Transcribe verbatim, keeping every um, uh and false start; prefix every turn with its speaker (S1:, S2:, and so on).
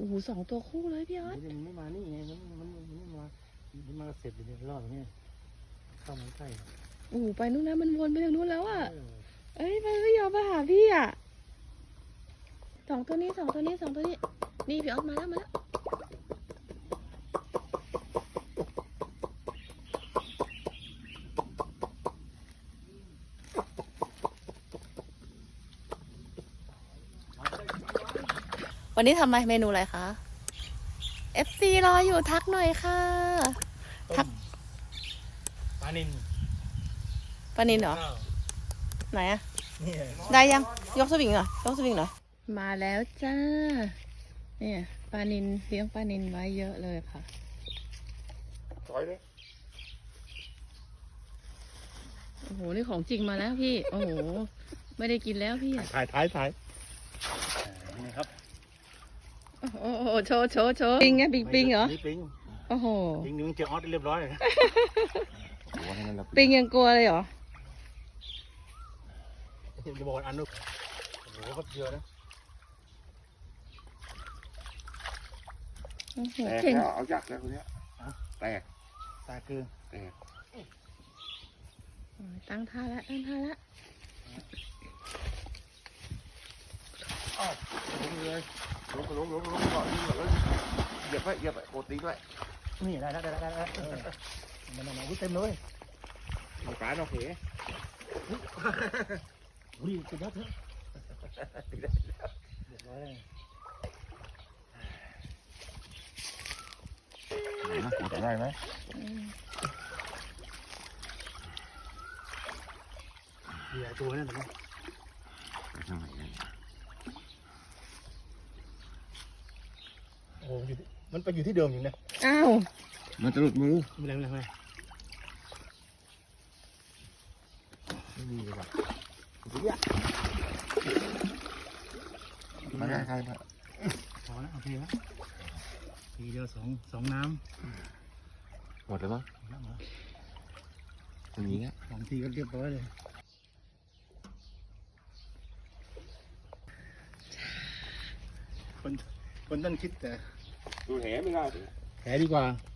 S1: อ้โหสองตัวคู่เลยพี่ออส
S2: มันไม่มานี่ไงมันมันมันไม่มามันมาเสร็จเลยรอบนี้เข้ามาใกล้
S1: โอ้โหไปนู่นแล้วมันวนไปทางนู้นแล้วอ่ะเอ้ยมันไม่ยอมมาหาพี่อ่ะสองตัวนี้สองตัวนี้สองตัวนี้นี่พี่ออสมาแล้วมาแล้ววันนี้ทำอะไรเมนูอะไรคะ เอฟ ซี รออยู่ทักหน่อยค่ะทัก
S2: ปลานิน
S1: ปลานินเหรอไหนอะ
S2: นี่
S1: ได้ยังยกสวิงเหรอยกสวิงเหรอมาแล้วจ้าเนี่ยปลานินเลี้ยงปลานินไว้เยอะเลยค่ะ
S2: ถอยเลย
S1: โอ้โหนี่ของจริงมาแล้วพี่โอ้โหไม่ได้กินแล้วพี่อะ
S2: ถ่ายถ่ายถ่ายนี่ครับ
S1: โอ้โหโชว์โชว์โชว์ปิงไงปิงปิงเหรอ
S2: นี่ปิง
S1: โอ้โห
S2: ปิงนี่มันเจอออสเรียบร้อยเลย
S1: ปิงยังกลัวเลยเหรอ
S2: จะบอกอันนู้นโอ้โหเขาเยอะนะ
S1: โอ้โห
S3: แตก
S1: เก่ง
S3: แล้วเอายักษ์แล้วคนเนี้ยแตก
S2: ตาคือ
S3: แตก
S1: โอ้ยตั้งท่าแล้วตั้งท่าแล้ว
S2: อ้าวลงเลย
S3: ลงลงลงลงก่อนแล้วเหยียบไว้เหยียบไว้โกตีไว้
S2: นี่ได้แล้วได้แล้วได้แล้วมันมันวิ่งเต็มเลย
S3: มีปลาเนาะเข
S2: วิ่งจะยัดเถอะเรียบร้อย
S3: จะได้ไหม
S1: อืม
S2: มีหลายตัวนั่นนะ โอ้อยู่มันไปอยู่ที่เดิมอยู่นะ
S1: อ้าว
S3: มันจะหลุดมือ
S2: ไม่เป็นไรไม่เป็นไร
S3: ไม่ดีเลยว่ะมาได้ใครมา
S2: พอแล้วโอเคแล้วทีเดียวสองสองน้
S3: หมดแล้วมั้ง
S2: ำแล้วเหรอ
S3: อย่างนี้
S2: สองทีก็เรียบร้อยเลยคนคนต้องคิดแต่
S3: ดูแหไม่ได้
S2: แผลดีกว่า